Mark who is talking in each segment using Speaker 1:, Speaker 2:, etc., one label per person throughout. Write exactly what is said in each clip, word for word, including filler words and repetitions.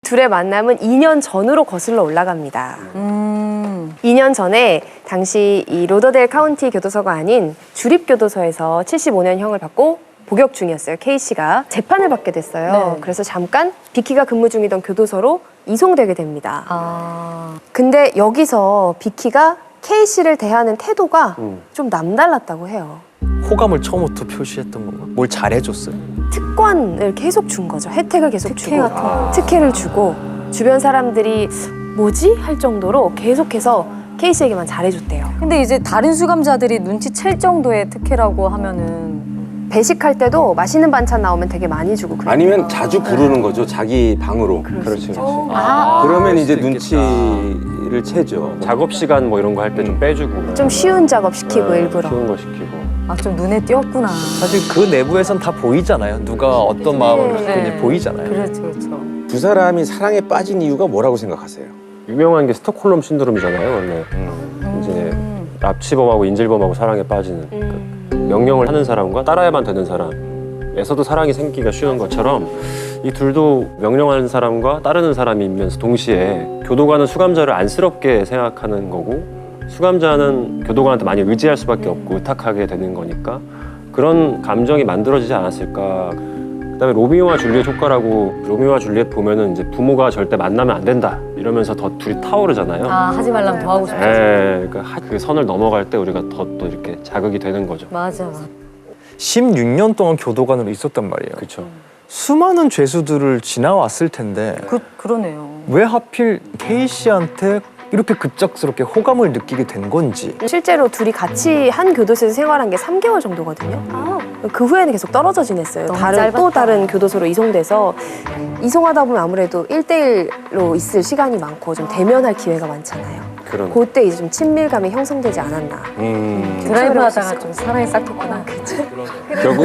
Speaker 1: 둘의 만남은 이 년 전으로 거슬러 올라갑니다.
Speaker 2: 음.
Speaker 1: 이 년 전에 당시 이 로더데일 카운티 교도소가 아닌 주립교도소에서 칠십오 년형을 받고 복역 중이었어요. K씨가 재판을 받게 됐어요.
Speaker 2: 네.
Speaker 1: 그래서 잠깐 비키가 근무 중이던 교도소로 이송되게 됩니다.
Speaker 2: 아.
Speaker 1: 근데 여기서 비키가 K씨를 대하는 태도가
Speaker 3: 음.
Speaker 1: 좀 남달랐다고 해요.
Speaker 4: 호감을 처음부터 표시했던 건가? 뭘 잘해줬어요?
Speaker 1: 특권을 계속 준 거죠. 혜택을 계속
Speaker 2: 특혜
Speaker 1: 주고
Speaker 2: 같은 거.
Speaker 1: 특혜를 주고 주변 사람들이 뭐지? 할 정도로 계속해서 K씨에게만 잘해줬대요.
Speaker 2: 근데 이제 다른 수감자들이 눈치챌 정도의 특혜라고 하면은
Speaker 1: 배식할 때도 맛있는 반찬 나오면 되게 많이 주고 그래요.
Speaker 5: 아니면 자주 부르는 거죠. 자기 방으로.
Speaker 1: 그럴 수
Speaker 3: 그렇지,
Speaker 1: 있죠.
Speaker 3: 그렇지.
Speaker 2: 아.
Speaker 5: 그러면 이제
Speaker 4: 그럴 수도
Speaker 5: 눈치를 채죠.
Speaker 3: 작업 시간 뭐 이런 거 할 때 좀 빼주고.
Speaker 1: 좀 쉬운 작업 시키고
Speaker 3: 네,
Speaker 1: 일부러.
Speaker 3: 쉬운 거 시키고.
Speaker 2: 아, 좀 눈에 띄었구나.
Speaker 4: 사실 그 내부에선 다 보이잖아요. 누가 어떤 마음을 갖고 있는지 보이잖아요.
Speaker 2: 그렇죠, 그렇죠.
Speaker 5: 두 사람이 사랑에 빠진 이유가 뭐라고 생각하세요?
Speaker 3: 유명한 게 스톡홀름 신드롬이잖아요, 원래. 이제 납치범하고 인질범하고 사랑에 빠지는.
Speaker 1: 음.
Speaker 3: 명령을 하는 사람과 따라야만 되는 사람에서도 사랑이 생기기가 쉬운 것처럼 이 둘도 명령하는 사람과 따르는 사람이면서 동시에 교도관은 수감자를 안쓰럽게 생각하는 거고 수감자는 교도관한테 많이 의지할 수밖에 없고 의탁하게 되는 거니까 그런 감정이 만들어지지 않았을까. 그다음에 로미오와 줄리엣 효과라고 로미오와 줄리엣 보면은 이제 부모가 절대 만나면 안 된다 이러면서 더 둘이 타오르잖아요.
Speaker 2: 아, 하지 말라면 더 하고 싶지.
Speaker 3: 네, 그러니까 하- 그 선을 넘어갈 때 우리가 더 또 이렇게 자극이 되는 거죠.
Speaker 2: 맞아, 맞아.
Speaker 4: 십육 년 동안 교도관으로 있었단 말이에요.
Speaker 3: 그렇죠.
Speaker 4: 수많은 죄수들을 지나왔을 텐데
Speaker 2: 그, 그러네요.
Speaker 4: 왜 하필 K씨한테 이렇게 급작스럽게 호감을 느끼게 된 건지.
Speaker 1: 실제로 둘이 같이 한 교도소에서 생활한 게 삼 개월 정도거든요. 그 후에는 계속 떨어져 지냈어요.
Speaker 2: 너무
Speaker 1: 다른
Speaker 2: 짧았다.
Speaker 1: 또 다른 교도소로 이송돼서 이송하다 보면 아무래도 일 대일로 있을 시간이 많고 좀 대면할 기회가 많잖아요.
Speaker 3: 그런.
Speaker 1: 그때 이제 좀 친밀감이 형성되지 않았나.
Speaker 5: 음,
Speaker 2: 드라이브
Speaker 1: 할수
Speaker 2: 하다가
Speaker 1: 있을
Speaker 2: 좀 사랑이 싹 텄구나.
Speaker 5: 결국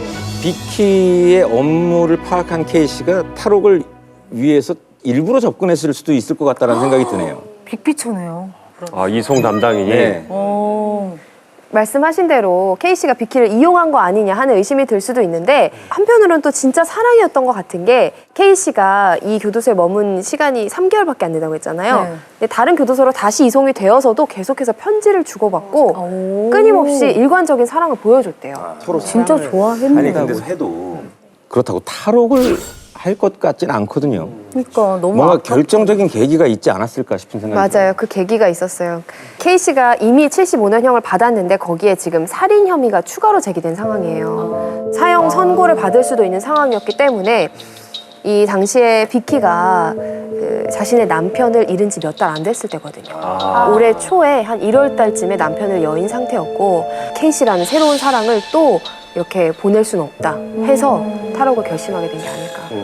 Speaker 5: 비키의 업무를 파악한 K씨가 탈옥을 위해서 일부러 접근했을 수도 있을 것 같다는 생각이 드네요.
Speaker 2: 빅피처네요.
Speaker 3: 아, 이송 담당이.
Speaker 5: 네.
Speaker 2: 오.
Speaker 1: 말씀하신 대로 K씨가 비키를 이용한 거 아니냐 하는 의심이 들 수도 있는데 한편으로는 또 진짜 사랑이었던 것 같은 게 K씨가 이 교도소에 머문 시간이 삼 개월밖에 안 된다고 했잖아요.
Speaker 2: 네.
Speaker 1: 근데 다른 교도소로 다시 이송이 되어서도 계속해서 편지를 주고받고
Speaker 2: 오.
Speaker 1: 끊임없이 일관적인 사랑을 보여줬대요.
Speaker 5: 서로
Speaker 2: 진짜
Speaker 5: 사랑을-
Speaker 2: 좋아했는데.
Speaker 5: 아니 근데 해도 그렇다고 탈옥을 할 것 같진 않거든요.
Speaker 2: 그러니까 너무
Speaker 5: 뭔가
Speaker 2: 아깝-
Speaker 5: 결정적인 계기가 있지 않았을까 싶은 생각이
Speaker 1: 맞아요. 그 계기가 있었어요. K씨가 이미 칠십오 년형을 받았는데 거기에 지금 살인 혐의가 추가로 제기된 상황이에요. 사형 선고를 받을 수도 있는 상황이었기 때문에 이 당시에 비키가 그 자신의 남편을 잃은 지 몇 달 안 됐을 때거든요.
Speaker 3: 아.
Speaker 1: 올해 초에 한 일월 달쯤에 남편을 여인 상태였고 K씨라는 새로운 사랑을 또 이렇게 보낼 수는 없다 해서 탈옥을 결심하게 된 게 아닐까.